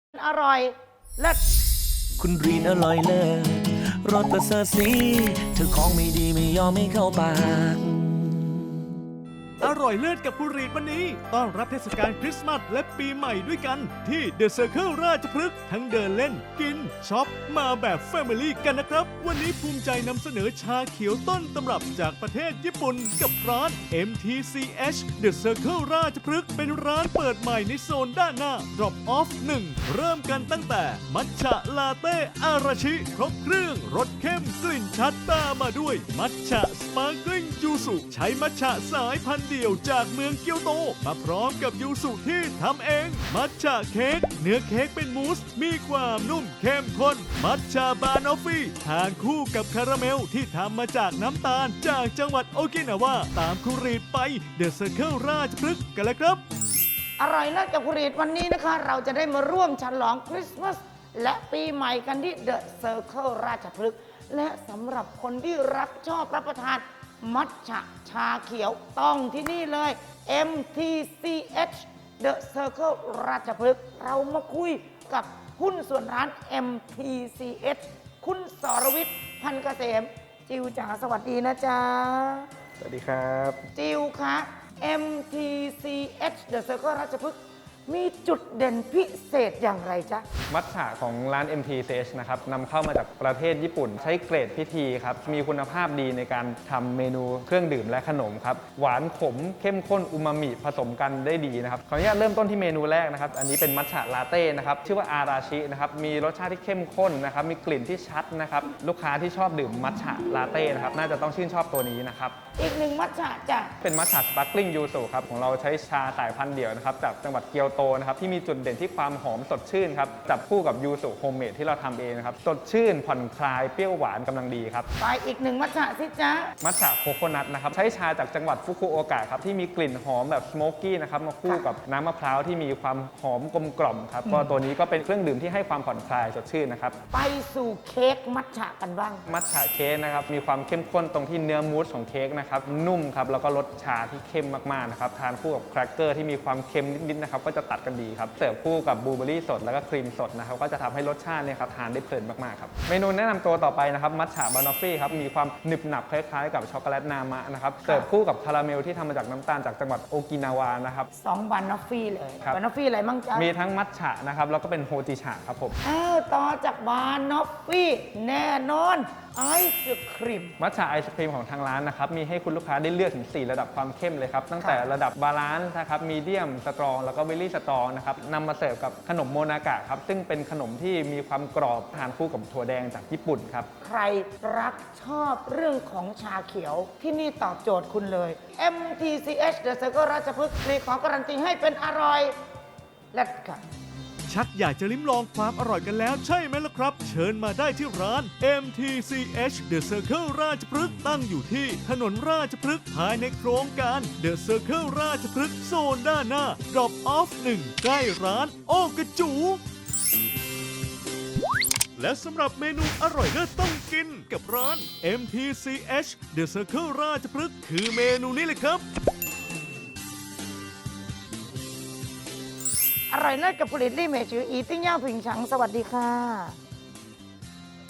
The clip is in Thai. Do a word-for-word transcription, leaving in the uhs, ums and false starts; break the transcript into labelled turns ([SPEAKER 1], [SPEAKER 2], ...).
[SPEAKER 1] อร่อยเลิศ
[SPEAKER 2] คุณรีนอร่อยเลิศรสประเสริฐสีเธอของไม่ดีไม่ยอมไม่เข้าปาก
[SPEAKER 3] อร่อยเลิศกับคุณรีดวันนี้ต้อนรับเทศกาลคริสต์มาสและปีใหม่ด้วยกันที่ The Circle ราชพฤกษ์ทั้งเดินเล่นกินช็อปมาแบบ Family กันนะครับวันนี้ภูมิใจนำเสนอชาเขียวต้นตำรับจากประเทศญี่ปุ่นกับร้าน เอ็ม ที ซี เอช The Circle ราชพฤกษ์เป็นร้านเปิดใหม่ในโซนด้านหน้า Drop Off หนึ่งเริ่มกันตั้งแต่มัทฉะลาเต้อาราชิครบเครื่องรสเข้มกลิ่นชัดตามมาด้วยมัทฉะสปาร์กลิ่งยูสุใช้มัทฉะสายพันธุ์เดี่ยวจากเมืองเกียวโตมาพร้อมกับยูสุที่ทำเองมัทฉะเค้กเนื้อเค้กเป็นมูสมีความนุ่มเข้มข้นมัทฉะบานอฟฟี่ทานคู่กับคาราเมลที่ทำมาจากน้ำตาลจากจังหวัดโอกินาวาตามคุรีดไปเดอะเซอร์เคิลราชพฤกษ์กันแล้วครับ
[SPEAKER 1] อร่อยเลิศกับคุณรีดวันนี้นะคะ เราจะได้มาร่วมฉลองคริสต์มาสและปีใหม่กันที่ The Circle ราชพฤกษ์และสำหรับคนที่รักชอบรับประทานมัทฉะชาเขียวต้องที่นี่เลย เอ็ม ที ซี เอช The Circle ราชพฤกษ์เรามาคุยกับหุ้นส่วนร้าน เอ็ม ที ซี เอช คุณสรวิทย์พันเกษมจิวจ๋าสวัสดีนะจ๊ะ
[SPEAKER 4] สวัสดีครับ
[SPEAKER 1] จิวคะ เอ็ม ที ซี เอช The Circle ราชพฤกษ์มีจุดเด่นพิเศษอย่างไรจ๊ะ
[SPEAKER 4] มัทฉะของร้าน เอ็ม ที ซี เอช นะครับนำเข้ามาจากประเทศญี่ปุ่นใช้เกรดพิธีครับมีคุณภาพดีในการทำเมนูเครื่องดื่มและขนมครับหวานขมเข้มข้นอูมามิผสมกันได้ดีนะครับขออนุญาตเริ่มต้นที่เมนูแรกนะครับอันนี้เป็นมัทฉะลาเต้นะครับชื่อว่าอาราชินะครับมีรสชาติที่เข้มข้นนะครับมีกลิ่นที่ชัดนะครับลูกค้าที่ชอบดื่มมัทฉะลาเต้นะครับน่าจะต้องชื่นชอบตัวนี้นะครับ
[SPEAKER 1] อีกหนึ่งมัทฉะจ้ะ
[SPEAKER 4] เป็นมัทฉะสปาร์กลิ่งยูสุครับของเราใช้ชาสายพันธุ์เดี่ยวนะครับจากจังหวัดเกียวโตนะครับที่มีจุดเด่นที่ความหอมสดชื่นครับจับคู่กับยูสุโฮมเมดที่เราทำเองนะครับสดชื่นผ่อนคลายเปรี้ยวหวานกำลังดีครับ
[SPEAKER 1] ไปอีกหนึ่งมัทฉะสิจ๊ะ
[SPEAKER 4] มัทฉะโคโคนัทนะครับใช้ชาจากจังหวัดฟุกุโอกะครับที่มีกลิ่นหอมแบบสโมกกี้นะครับมาคู่กับน้ำมะพร้าวที่มีความหอมกลมกล่อมครับก็ตัวนี้ก็เป็นเครื่องดื่มที่ให้ความผ่อนคลายสดชื่นนะครับ
[SPEAKER 1] ไปสู่เค้กมัทฉะกันบ้าง
[SPEAKER 4] มัทฉะเค้กนะครับมีความเข้มข้นตรงที่เนื้อมูสของเค้กนะครับนุ่มครับแล้วก็รสชาที่เข้มมากๆนะครับทานคู่กับแครกเกอร์ที่มีความเค็มนิดๆนะครับก็จะตัดกันดีครับเสิร์ฟคู่กับบลูเบอร์รี่สดแล้วก็ครีมสดนะครับก็จะทำให้รสชาติเนี่ยครับทานได้เพลินมากๆครับเมนูแนะนำตัวต่อไปนะครับมัทฉะบานอฟฟี่ครับมีความหนึบหนับคล้ายๆกับช็อกโกแลตนามะนะครับเสิร์ฟคู่กับคาราเมลที่ทำมาจากน้ำตาลจากจังหวัดโอกินาวานะครับ
[SPEAKER 1] สองบานอฟฟี่เลยบานอฟฟี่อะไรมั่งจ๊ะ
[SPEAKER 4] มีทั้งมัทฉะนะครับแล้วก็เป็นโฮจิฉะครับผม
[SPEAKER 1] อ้าวต่อจากบานอฟฟี่แน่นอนไอศครีม
[SPEAKER 4] มัทฉะไอศครีมของทางร้านนะครับมีให้คุณลูกค้าได้เลือกถึงสี่ระดับความเข้มเลยครับตั้งแต่ระดับบาลานซ์นะครับมีเดียมสตรองแล้วก็เวลลี่สตรองนะครับนำมาเสิร์ฟกับขนมโมนากะครับซึ่งเป็นขนมที่มีความกรอบทานคู่กับถั่วแดงจากญี่ปุ่นครับ
[SPEAKER 1] ใครรักชอบเรื่องของชาเขียวที่นี่ตอบโจทย์คุณเลย เอ็ม ที ซี เอช The Circle ราชพฤกษ์มีขอการันตีให้เป็นอร่อยและกัน
[SPEAKER 3] ชักอยากจะลิ้มลองความอร่อยกันแล้วใช่ไหมล่ะครับเชิญมาได้ที่ร้าน เอ็ม ที ซี เอช The Circle ราชพฤกษ์ตั้งอยู่ที่ถนนราชพฤกษ์ภายในโครงการ The Circle ราชพฤกษ์โซนด้านหน้า Drop Off หนึ่งใกล้ร้านโอกระจูและสำหรับเมนูอร่อยเลิศต้องกินกับร้าน เอ็ม ที ซี เอช The Circle ราชพฤกษ์คือเมนูนี้เลยครับ
[SPEAKER 1] อร่อยเลิศกับผลิตลี่เมจืออีติ้งย่าผิงฉังสวัสดีค่ะ